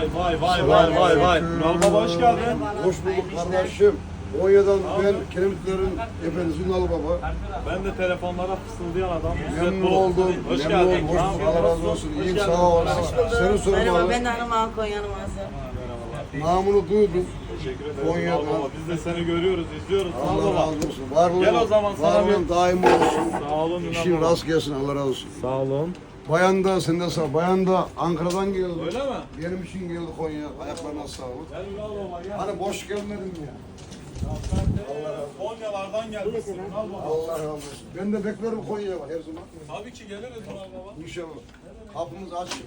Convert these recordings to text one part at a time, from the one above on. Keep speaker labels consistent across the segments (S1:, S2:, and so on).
S1: Vay. Ünal Baba hoş geldin.
S2: Hoş bulduk kardeşim. Konya'dan ben Kiremitlerin efendisi Ünal Baba.
S1: Ben de telefonlara fısıldayan adam.
S2: Memnun oldum.
S1: Hoş
S2: Memnun
S1: geldin.
S2: oldum. Hoş bulduk. Allah razı olsun. İyiyim, sağ ol. Seni
S3: Merhaba,
S2: sormalı.
S3: ben Hanım Konya'nın ağası.
S2: Namını duydum.
S1: Teşekkür ederim.
S2: Konya'dan.
S1: Ünal Baba. Biz de seni görüyoruz, izliyoruz. Sağ ol
S2: Allah
S1: baba.
S2: razı olsun. Varlığın,
S1: Gel o zaman sana
S2: varlığın daim olsun.
S1: Sağ olun Ünal
S2: İşin
S1: Baba.
S2: rast gelsin. Allah razı olsun.
S1: Sağ olun.
S2: Bayan da sen de sağ. Bayan da Ankara'dan geldi.
S1: Öyle mi?
S2: Benim için geldi Konya. Ayaklarına sağlık.
S1: Gel Ünal Baba gel.
S2: Hani boş gelmedim ya.
S1: Sen de Konyalardan gelmişsin Ünal Baba.
S2: Allah razı olsun. Ben de beklerim Konya'ya her zaman.
S1: Tabii ki geliriz Ünal Baba.
S2: İnşallah. Kapımız açık.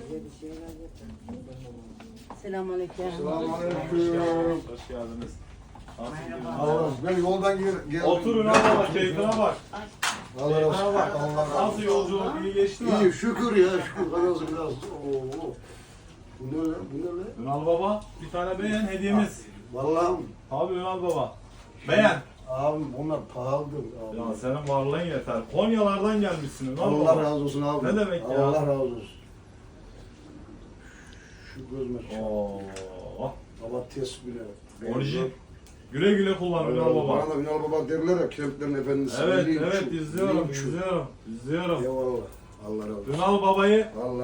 S3: Selamünaleyküm.
S2: Selamünaleyküm.
S1: Hoş geldiniz.
S2: Allah razı olsun. Ben yoldan geldim.
S1: Otur Ünal Baba, keyfine bak.
S2: Allah razı olsun.
S1: Keyfine bak.
S2: Allah razı olsun.
S1: Nasıl yolculuk, iyi geçti mi?
S2: İyi şükür ya şükür. Biraz biraz. Oo. Bu ne lan? Bu ne lan?
S1: Ünal Baba, bir tane beğen hediyemiz.
S2: Vallahi
S1: Abi Ünal Baba. Beğen.
S2: abim onlar pahalıdır. Abi.
S1: Ya senin varlığın yeter. Konyalardan gelmişsin Ünal
S2: Allah
S1: Baba.
S2: razı olsun abi.
S1: Ne demek ya?
S2: Allah razı olsun. Şu gözüme çarp.
S1: Oo.
S2: Baba test bile.
S1: Orijin. Güle güle kullan Ünal Baba.
S2: Bana da Ünal Baba derler ya Kiremitlerin efendisi.
S1: Evet,
S2: Linç,
S1: evet izliyorum,
S2: linç.
S1: izliyorum.
S2: Eyvallah. Allah razı olsun.
S1: Ünal Baba'yı
S2: Allah